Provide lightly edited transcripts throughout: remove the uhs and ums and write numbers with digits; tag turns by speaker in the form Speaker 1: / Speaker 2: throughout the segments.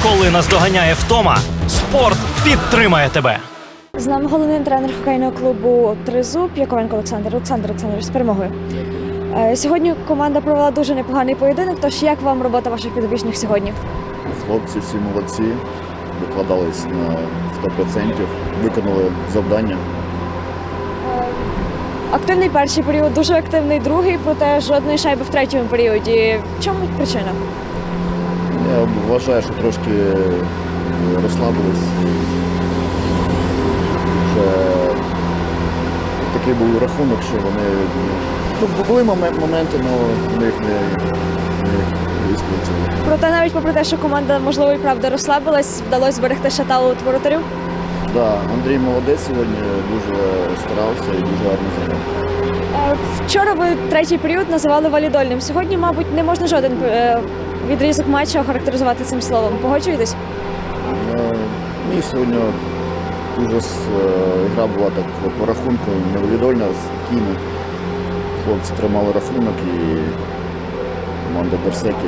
Speaker 1: Коли наздоганяє втома, спорт підтримає тебе.
Speaker 2: З нами головний тренер хокейного клубу «Тризуб» Яковенко Олександр. Олександр Олександрович, з перемогою. Сьогодні команда провела дуже непоганий поєдинок, тож як вам робота ваших підопічних сьогодні?
Speaker 3: Хлопці всі молодці, викладались на 100%, виконали завдання.
Speaker 2: Активний перший період, дуже активний другий, проте жодної шайби в третьому періоді. В чому причина?
Speaker 3: Я вважаю, що трошки розслабились. Вже такий був рахунок, що вони... були моменти, але ми їх не висплачили.
Speaker 2: Проте навіть попри те, що команда, можливо, і правда розслабилась, вдалося зберегти шаталу від воротарів.
Speaker 3: Да, Андрій молодець сьогодні, дуже старався і дуже гарно зіграв.
Speaker 2: Вчора ви третій період називали валідольним. Сьогодні, мабуть, не можна жоден відрізок матчу охарактеризувати цим словом. Погоджуєтесь?
Speaker 3: Ні, сьогодні дуже гра була так по рахунку невідольна, спокійна. Хлопці тримали рахунок і команда Берсеки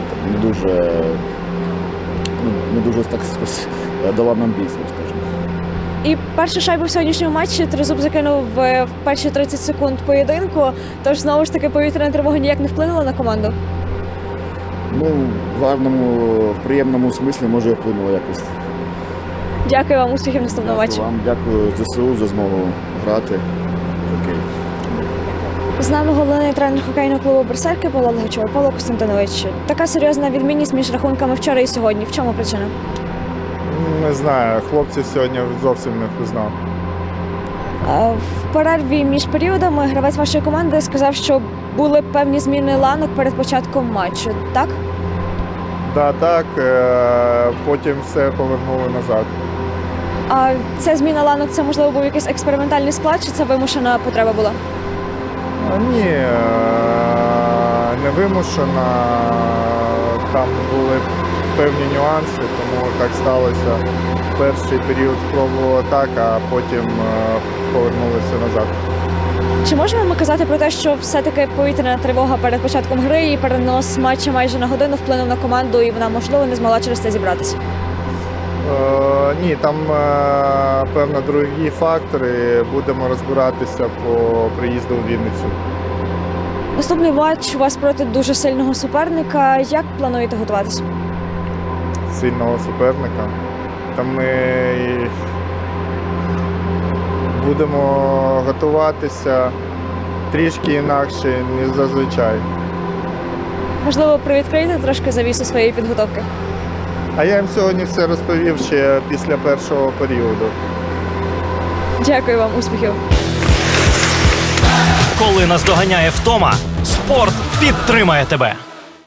Speaker 3: не дуже так дала нам бій, скажімо.
Speaker 2: І першу шайбу в сьогоднішньому матчі Тризуб закинув в перші 30 секунд поєдинку, тож знову ж таки повітряна тривога ніяк не вплинула на команду?
Speaker 3: Ну, в гарному, в приємному смислі, може, вплинуло якось.
Speaker 2: Дякую вам, успіхів в наступному матчі.
Speaker 3: Вам дякую ЗСУ за змогу грати. Окей.
Speaker 2: З нами головний тренер хокейного клубу «Берсерки» Павло Логачов. Павло Костянтинович, така серйозна відмінність між рахунками вчора і сьогодні. В чому причина?
Speaker 4: Не знаю, хлопців сьогодні зовсім не впізнав.
Speaker 2: В перерві між періодами гравець вашої команди сказав, що були певні зміни ланок перед початком матчу, так?
Speaker 4: Так, потім все повернули назад.
Speaker 2: А ця зміна ланок, це, можливо, був якийсь експериментальний склад, чи це вимушена потреба була?
Speaker 4: Ні, не вимушена. Там були певні нюанси, тому так сталося. Перший період спробували так, а потім повернулися назад.
Speaker 2: Чи можемо ми казати про те, що все-таки повітряна тривога перед початком гри і перенос матчу майже на годину вплинув на команду і вона, можливо, не змогла через це зібратися?
Speaker 4: Ні, там, певно, другі фактори. Будемо розбиратися по приїзду у Вінницю.
Speaker 2: Наступний матч у вас проти дуже сильного суперника. Як плануєте готуватися?
Speaker 4: Сильного суперника. Там ми будемо готуватися трішки інакше, ніж зазвичай.
Speaker 2: Можливо, привідкриєте трошки завісу своєї підготовки?
Speaker 4: А я їм сьогодні все розповів ще після першого періоду.
Speaker 2: Дякую вам, успіхів!
Speaker 1: Коли наздоганяє втома, спорт підтримає тебе.